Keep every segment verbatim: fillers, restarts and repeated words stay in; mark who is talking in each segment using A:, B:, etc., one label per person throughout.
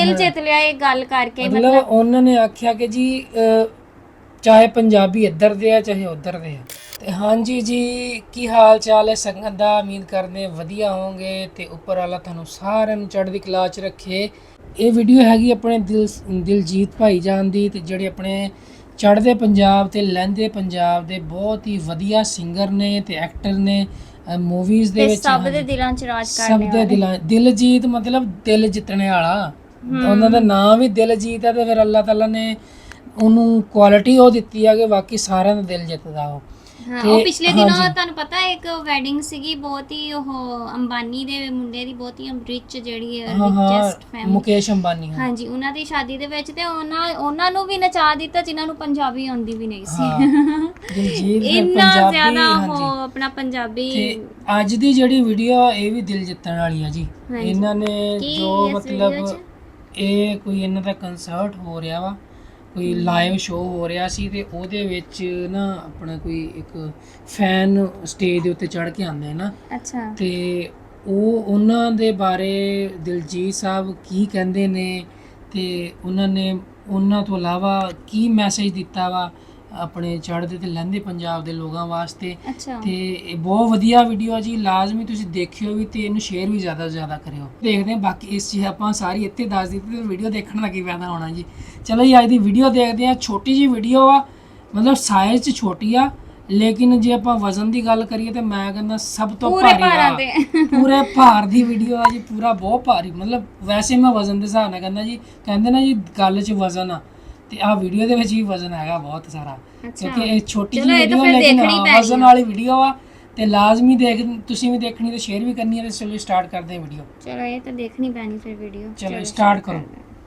A: ਦਿਲ ਜਿੱਤ ਲਿਆ ਇਹ ਗੱਲ ਕਰਕੇ।
B: ਮਤਲਬ ਉਹਨਾਂ ਨੇ ਆਖਿਆ ਕਿ ਜੀ ਚਾਹੇ ਪੰਜਾਬੀ ਇੱਧਰ ਦੇ ਆ ਚਾਹੇ ਉੱਧਰ ਦੇ ਆ। ਤੇ ਹਾਂਜੀ ਜੀ, ਕੀ ਹਾਲ ਚਾਲ ਹੈ ਸੰਗਤ ਦਾ? ਉਮੀਦ ਕਰਦੇ ਵਧੀਆ ਹੋਵੋਗੇ ਤੇ ਉੱਪਰ ਵਾਲਾ ਤੁਹਾਨੂੰ ਸਾਰਿਆਂ ਨੂੰ ਚੜ੍ਹਦੀ ਕਲਾ 'ਚ ਰੱਖੇ। ਇਹ ਵੀਡੀਓ ਹੈਗੀ ਆਪਣੇ ਦਿਲ ਦਿਲਜੀਤ ਭਾਈਜਾਨ ਦੀ, ਤੇ ਜਿਹੜੇ ਆਪਣੇ ਚੜ੍ਹਦੇ ਪੰਜਾਬ ਤੇ ਲਹਿੰਦੇ ਪੰਜਾਬ ਦੇ ਬਹੁਤ ਹੀ ਵਧੀਆ ਸਿੰਗਰ ਨੇ ਤੇ ਐਕਟਰ ਨੇ। ਮੂਵੀਜ਼ ਦੇ ਵਿੱਚ
A: ਸਭ ਦੇ ਦਿਲਾਂ 'ਚ ਰਾਜ
B: ਸਭ
A: ਕਰਨੇ
B: ਦੇ ਦਿਲਾਂ ਦਿਲਜੀਤ ਮਤਲਬ ਦਿਲ ਜਿੱਤਣੇ ਵਾਲਾ। ਉਹਨਾਂ ਦਾ ਨਾਮ ਵੀ ਦਿਲਜੀਤ ਹੈ ਤੇ ਫਿਰ ਅੱਲਾਹ ਤਾਲਾ ਨੇ ਉਹਨੂੰ ਕੁਆਲਿਟੀ ਉਹ ਦਿੱਤੀ ਹੈ ਕਿ ਬਾਕੀ ਸਾਰਿਆਂ ਦਾ ਦਿਲ ਜਿੱਤਦਾ ਉਹ।
A: ਹਾਂ, ਉਹ ਪਿਛਲੇ ਦਿਨੋਂ ਤੁਹਾਨੂੰ ਪਤਾ ਇੱਕ ਵੈਡਿੰਗ ਸੀਗੀ, ਬਹੁਤ ਹੀ ਉਹ ਅੰਬਾਨੀ ਦੇ ਮੁੰਡੇ ਦੀ, ਬਹੁਤ ਹੀ ਰਿਚ ਜਿਹੜੀ ਰਿਚੈਸਟ ਫੈਮਿਲੀ,
B: ਮੁਕੇਸ਼ ਅੰਬਾਨੀ।
A: ਹਾਂਜੀ, ਉਹਨਾਂ ਦੀ ਸ਼ਾਦੀ ਦੇ ਵਿੱਚ ਤੇ ਉਹਨਾਂ ਉਹਨਾਂ ਨੂੰ ਵੀ ਨਚਾ ਦਿੱਤਾ ਜਿਨ੍ਹਾਂ ਨੂੰ ਪੰਜਾਬੀ ਆਉਂਦੀ ਵੀ ਨਹੀਂ ਸੀ। ਇੰਨਾ ਜ਼ਿਆਦਾ ਉਹ ਆਪਣਾ ਪੰਜਾਬੀ। ਤੇ
B: ਅੱਜ ਦੀ ਜਿਹੜੀ ਵੀਡੀਓ ਇਹ ਵੀ ਦਿਲ ਜਿੱਤਣ ਵਾਲੀ ਆ ਜੀ। ਇਹਨਾਂ ਨੇ ਜੋ ਮਤਲਬ ਇਹ ਕੋਈ ਇਹਨਾਂ ਦਾ ਕੰਸਰਟ ਹੋ ਰਿਹਾ ਵਾ, ਕੋਈ ਲਾਈਵ ਸ਼ੋਅ ਹੋ ਰਿਹਾ ਸੀ ਤੇ ਉਹਦੇ ਵਿੱਚ ਨਾ ਆਪਣਾ ਕੋਈ ਇੱਕ ਫੈਨ ਸਟੇਜ ਦੇ ਉੱਤੇ ਚੜ੍ਹ ਕੇ ਆਉਂਦੇ ਨਾ।
A: ਅੱਛਾ।
B: ਤੇ ਉਹ ਉਹਨਾਂ ਦੇ ਬਾਰੇ ਦਿਲਜੀਤ ਸਾਹਿਬ ਕੀ ਕਹਿੰਦੇ ਨੇ ਤੇ ਉਹਨਾਂ ਨੇ ਉਹਨਾਂ ਤੋਂ ਇਲਾਵਾ ਕੀ ਮੈਸੇਜ ਦਿੱਤਾ ਵਾ ਆਪਣੇ ਚੜ੍ਹਦੇ ਤੇ ਲਹਿੰਦੇ ਪੰਜਾਬ ਦੇ ਲੋਕਾਂ ਵਾਸਤੇ। ਤੇ ਇਹ ਬਹੁਤ ਵਧੀਆ ਵੀਡੀਓ ਆ ਜੀ, ਲਾਜ਼ਮੀ ਤੁਸੀਂ ਦੇਖਿਓ ਵੀ ਤੇ ਇਹਨੂੰ ਸ਼ੇਅਰ ਵੀ ਜ਼ਿਆਦਾ ਤੋਂ ਜ਼ਿਆਦਾ ਕਰਿਓ। ਦੇਖਦੇ ਹਾਂ ਬਾਕੀ ਇਸ ਚੀਜ਼ ਆਪਾਂ ਸਾਰੀ ਇੱਥੇ ਦੱਸ ਦਿੱਤੀ ਤੇ ਵੀਡੀਓ ਦੇਖਣ ਦਾ ਕੀ ਫਾਇਦਾ ਹੋਣਾ ਜੀ। ਚਲੋ ਜੀ ਅੱਜ ਦੀ ਵੀਡੀਓ ਦੇਖਦੇ ਹਾਂ। ਛੋਟੀ ਜੀ ਵੀਡੀਓ ਆ, ਮਤਲਬ ਸਾਈਜ਼ 'ਚ ਛੋਟੀ ਆ, ਲੇਕਿਨ ਜੇ ਆਪਾਂ ਵਜ਼ਨ ਦੀ ਗੱਲ ਕਰੀਏ ਤੇ ਮੈਂ ਕਹਿੰਦਾ ਸਭ ਤੋਂ ਭਾਰੀ ਆ, ਪੂਰੇ ਭਾਰ ਦੀ ਵੀਡੀਓ ਆ ਜੀ। ਪੂਰਾ ਬਹੁਤ ਭਾਰੀ, ਮਤਲਬ ਵੈਸੇ ਮੈਂ ਵਜ਼ਨ ਦੇ ਹਿਸਾਬ ਨਾਲ ਕਹਿੰਦਾ ਜੀ, ਕਹਿੰਦੇ ਨਾ ਜੀ ਗੱਲ 'ਚ ਵਜ਼ਨ ਆ, ਤੇ ਆਹ ਵੀਡੀਓ ਦੇ ਵਿੱਚ ਵੀ ਵਜ਼ਨ ਹੈਗਾ ਬਹੁਤ ਸਾਰਾ, ਕਿਉਂਕਿ ਇਹ ਛੋਟੀ ਜਿਹੀ ਵੀਡੀਓ ਲੇਕਿਨ ਵਜ਼ਨ ਵਾਲੀ ਵੀਡੀਓ ਆ ਤੇ ਲਾਜ਼ਮੀ ਦੇਖ ਤੁਸੀਂ ਵੀ ਦੇਖਣੀ ਤੇ ਸ਼ੇਅਰ ਵੀ ਕਰਨੀ ਹੈ। ਤੇ ਚਲੋ ਸਟਾਰਟ ਕਰਦੇ ਹਾਂ ਵੀਡੀਓ।
A: ਚਲੋ ਇਹ ਤਾਂ ਦੇਖਣੀ ਪੈਣੀ ਫਿਰ ਵੀਡੀਓ।
B: ਚਲੋ ਸਟਾਰਟ ਕਰੋ।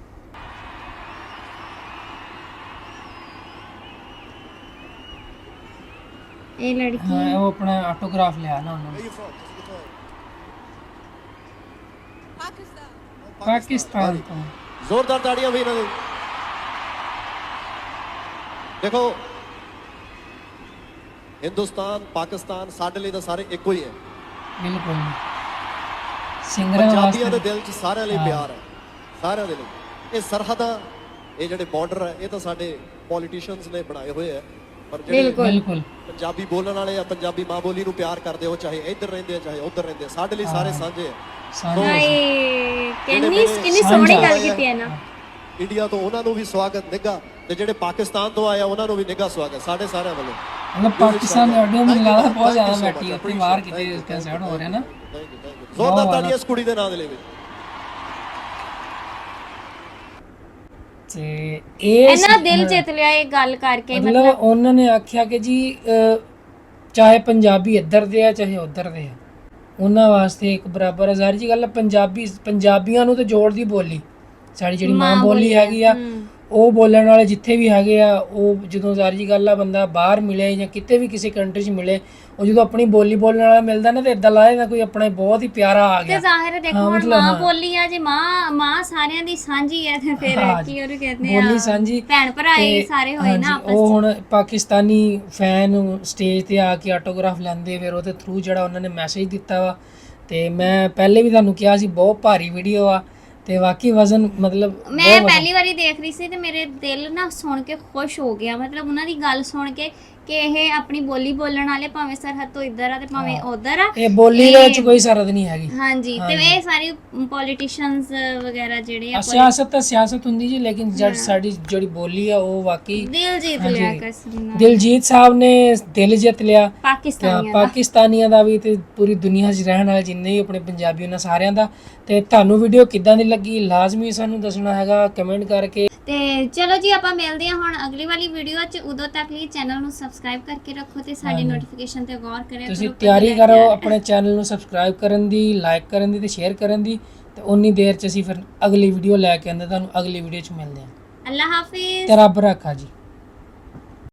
A: ਇਹ ਲੜਕੀ
B: ਹਾਂ, ਉਹ ਆਪਣਾ ਆਟੋਗ੍ਰਾਫ ਲਿਆ ਨਾ ਉਹਨਾਂ ਨੇ। ਪਾਕਿਸਤਾਨ ਤੋਂ।
C: ਜ਼ੋਰਦਾਰ ਤਾੜੀਆਂ ਵੀ ਇਹਨਾਂ ਨੂੰ। ਦੇਖੋ, ਹਿੰਦੁਸਤਾਨ ਪਾਕਿਸਤਾਨ ਸਾਡੇ ਲਈ ਤਾਂ ਸਾਰੇ ਇੱਕੋ ਹੀ ਹੈ।
B: ਬਿਲਕੁਲ। ਸਿੰਗਰਾਂ
C: ਪੰਜਾਬੀਆਂ ਦੇ ਦਿਲ 'ਚ ਸਾਰਿਆਂ ਲਈ ਪਿਆਰ ਹੈ, ਸਾਰਿਆਂ ਦੇ ਲਈ। ਇਹ ਸਰਹੱਦਾਂ, ਇਹ ਜਿਹੜੇ ਬਾਰਡਰ ਹੈ, ਇਹ ਤਾਂ ਸਾਡੇ ਪੋਲੀਟੀਸ਼ੀਅਨਸ ਨੇ ਬਣਾਏ ਹੋਏ ਆ, ਪਰ ਜਿਹੜੇ
B: ਬਿਲਕੁਲ
C: ਪੰਜਾਬੀ ਬੋਲਣ ਵਾਲੇ ਆ, ਪੰਜਾਬੀ ਮਾਂ ਬੋਲੀ ਨੂੰ ਪਿਆਰ ਕਰਦੇ ਹੋ, ਚਾਹੇ ਇੱਧਰ ਰਹਿੰਦੇ ਆ ਚਾਹੇ ਉੱਧਰ ਰਹਿੰਦੇ ਆ, ਸਾਡੇ ਲਈ ਸਾਰੇ ਸਾਂਝੇ ਆ।
A: ਕਿੰਨੀ ਕਿੰਨੀ ਸੋਹਣੀ ਗੱਲ ਕੀਤੀ ਹੈ ਨਾ।
C: ਇੰਡੀਆ ਤੋਂ ਉਹਨਾਂ ਨੂੰ ਵੀ ਸਵਾਗਤ ਨਿੱਘਾ, ਤੇ ਜਿਹੜੇ ਪਾਕਿਸਤਾਨ ਤੋਂ ਆਏ ਆ ਉਹਨਾਂ ਨੂੰ ਵੀ ਨਿੱਘਾ ਸਵਾਗਤ ਸਾਡੇ ਸਾਰਿਆਂ ਵੱਲੋਂ।
B: ਮਤਲਬ ਪਾਕਿਸਤਾਨ ਦੇ ਆਡੀਓ ਮੈਨੂੰ ਲੱਗਦਾ ਬਹੁਤ ਜ਼ਿਆਦਾ ਬੈਠੀ ਉੱਥੇ ਬਾਹਰ ਕਿਤੇ ਕੰਸਰਟ ਹੋ ਰਿਹਾ ਨਾ।
C: ਜ਼ੋਰਦਾਰ ਤਾੜੀਆਂ ਇਸ ਕੁੜੀ ਦੇ ਨਾਂ ਦੇ ਲਈ।
B: ਤੇ ਇਹ
A: ਇਹਨਾਂ ਦਿਲ ਜਿੱਤ ਲਿਆ ਇਹ ਗੱਲ ਕਰਕੇ।
B: ਮਤਲਬ ਉਹਨਾਂ ਨੇ ਆਖਿਆ ਕਿ ਜੀ ਚਾਹੇ ਪੰਜਾਬੀ ਇੱਧਰ ਦੇ ਆ ਚਾਹੇ ਉੱਧਰ ਦੇ ਆ, ਉਹਨਾਂ ਵਾਸਤੇ ਇੱਕ ਬਰਾਬਰ। ਜ਼ਾਹਿਰ ਜੀ ਗੱਲ, ਪੰਜਾਬੀ ਪੰਜਾਬੀਆਂ ਨੂੰ ਤੇ ਜੋੜਦੀ ਬੋਲੀ ਸਾਡੀ ਜਿਹੜੀ ਮਾਂ ਬੋਲੀ ਹੈਗੀ ਆ, ਉਹ ਬੋਲਣ ਵਾਲੇ ਜਿੱਥੇ ਵੀ ਹੈਗੇ ਆ, ਉਹ ਜਦੋਂ ਜ਼ਾਹਿਰ ਜੀ ਗੱਲ ਆ ਬੰਦਾ ਬਾਹਰ ਮਿਲੇ ਜਾਂ ਕਿਤੇ ਵੀ ਕਿਸੇ ਕੰਟਰੀ 'ਚ ਮਿਲੇ, ਉਹ ਜਦੋਂ ਆਪਣੀ ਬੋਲੀ ਬੋਲਣ ਵਾਲਾ ਮਿਲਦਾ ਨਾ ਤੇ ਇਦਾਂ ਲੱਗਦਾ ਕੋਈ ਆਪਣਾ ਬਹੁਤ ਹੀ ਪਿਆਰਾ ਆ ਗਿਆ।
A: ਤੇ ਜ਼ਾਹਿਰ ਹੈ, ਦੇਖੋ ਹੁਣ ਮਾਂ ਬੋਲੀ ਆ ਜੇ, ਮਾਂ ਮਾਂ ਸਾਰਿਆਂ ਦੀ ਸਾਂਝੀ ਹੈ ਤੇ ਫਿਰ ਕੀ ਉਹ ਕਹਿੰਦੇ ਆ
B: ਬੋਲੀ ਸਾਂਝੀ,
A: ਭੈਣ ਭਰਾ ਹੀ ਸਾਰੇ ਹੋਏ ਨਾ ਆਪਸ।
B: ਉਹ ਹੁਣ ਪਾਕਿਸਤਾਨੀ ਫੈਨ ਸਟੇਜ ਤੇ ਆ ਕੇ ਆਟੋਗ੍ਰਾਫ ਲੈਂਦੇ, ਫਿਰ ਉਹਦੇ ਥਰੂ ਜਿਹੜਾ ਉਹਨਾਂ ਨੇ ਮੈਸੇਜ ਦਿੱਤਾ ਵਾ। ਤੇ ਮੈਂ ਪਹਿਲੇ ਵੀ ਤੁਹਾਨੂੰ ਕਿਹਾ ਸੀ ਬਹੁਤ ਭਾਰੀ ਵੀਡੀਓ ਆ ਤੇ ਵਾਕਈ ਵਜ਼ਨ ਮਤਲਬ
A: ਮੈਂ ਪਹਿਲੀ ਵਾਰੀ ਦੇਖ ਰਹੀ ਸੀ ਤੇ ਮੇਰੇ ਦਿਲ ਨਾ ਸੁਣ ਕੇ ਖੁਸ਼ ਹੋ ਗਿਆ। ਮਤਲਬ ਉਹਨਾਂ ਦੀ ਗੱਲ ਸੁਣ ਕੇ ਕਿ ਇਹ ਆਪਣੀ ਬੋਲੀ ਬੋਲਣ ਵਾਲੇ, ਭਾਵੇਂ ਸਰਹੱਦ ਤੋਂ ਇੱਧਰ ਆ ਤੇ ਭਾਵੇਂ ਉੱਧਰ ਆ,
B: ਇਹ ਬੋਲੀ ਦੇ ਵਿੱਚ ਕੋਈ ਸਰਹੱਦ ਨਹੀਂ ਹੈਗੀ।
A: ਹਾਂਜੀ, ਤੇ ਇਹ ਸਾਰੇ ਪੋਲੀਟੀਸ਼ੀਅਨਸ ਵਗੈਰਾ ਜਿਹੜੇ ਆ,
B: ਸਿਆਸਤ ਤਾਂ ਸਿਆਸਤ ਹੁੰਦੀ ਜੀ, ਲੇਕਿਨ ਜਦ ਸਾਡੀ ਜਿਹੜੀ ਬੋਲੀ ਆ ਉਹ ਵਾਕਈ
A: ਦਿਲ ਜਿੱਤ ਲਿਆ। ਕਸਮ
B: ਦਿਲਜੀਤ ਸਾਹਿਬ ਨੇ ਦਿਲ ਜਿੱਤ ਲਿਆ
A: ਪਾਕਿਸਤਾਨੀਆਂ
B: ਪਾਕਿਸਤਾਨੀਆਂ ਦਾ ਵੀ ਤੇ ਪੂਰੀ ਦੁਨੀਆ 'ਚ ਰਹਿਣ ਵਾਲੇ ਜਿੰਨੇ ਵੀ ਆਪਣੇ ਪੰਜਾਬੀ ਉਹਨਾਂ ਸਾਰਿਆਂ ਦਾ। ਤੇ ਤੁਹਾਨੂੰ ਵੀਡੀਓ ਕਿੱਦਾਂ ਦੀ ਲੱਗੀ ਲਾਜ਼ਮੀ ਸਾਨੂੰ ਦੱਸਣਾ ਹੈਗਾ ਕਮੈਂਟ ਕਰਕੇ।
A: ਤੇ ਚਲੋ ਜੀ, ਆਪਾਂ ਮਿਲਦੇ ਹਾਂ ਹੁਣ ਅਗਲੀ ਵਾਲੀ ਵੀਡੀਓ 'ਚ। ਉਦੋਂ ਤੱਕ ਲਈ ਚੈਨਲ ਨੂੰ ਸਬਸਕ੍ਰਾਈਬ ਕਰਕੇ ਰੱਖੋ ਤੇ ਸਾਡੀ ਨੋਟੀਫਿਕੇਸ਼ਨ ਤੇ ਗੌਰ ਕਰਿਆ ਕਰੋ।
B: ਤੁਸੀਂ ਤਿਆਰੀ ਕਰੋ ਆਪਣੇ ਚੈਨਲ ਨੂੰ ਸਬਸਕ੍ਰਾਈਬ ਕਰਨ ਦੀ, ਲਾਈਕ ਕਰਨ ਦੀ ਤੇ ਸ਼ੇਅਰ ਕਰਨ ਦੀ। ਤੇ ਉਨੀ ਦੇਰ 'ਚ ਅਸੀਂ ਫਿਰ ਅਗਲੀ ਵੀਡੀਓ ਲੈ ਕੇ ਆਉਂਦੇ ਤੁਹਾਨੂੰ। ਅਗਲੀ ਵੀਡੀਓ 'ਚ ਮਿਲਦੇ ਹਾਂ।
A: ਅੱਲਾ ਹਾਫਿਜ਼
B: ਤੇ ਰੱਬ ਰੱਖਾ ਜੀ।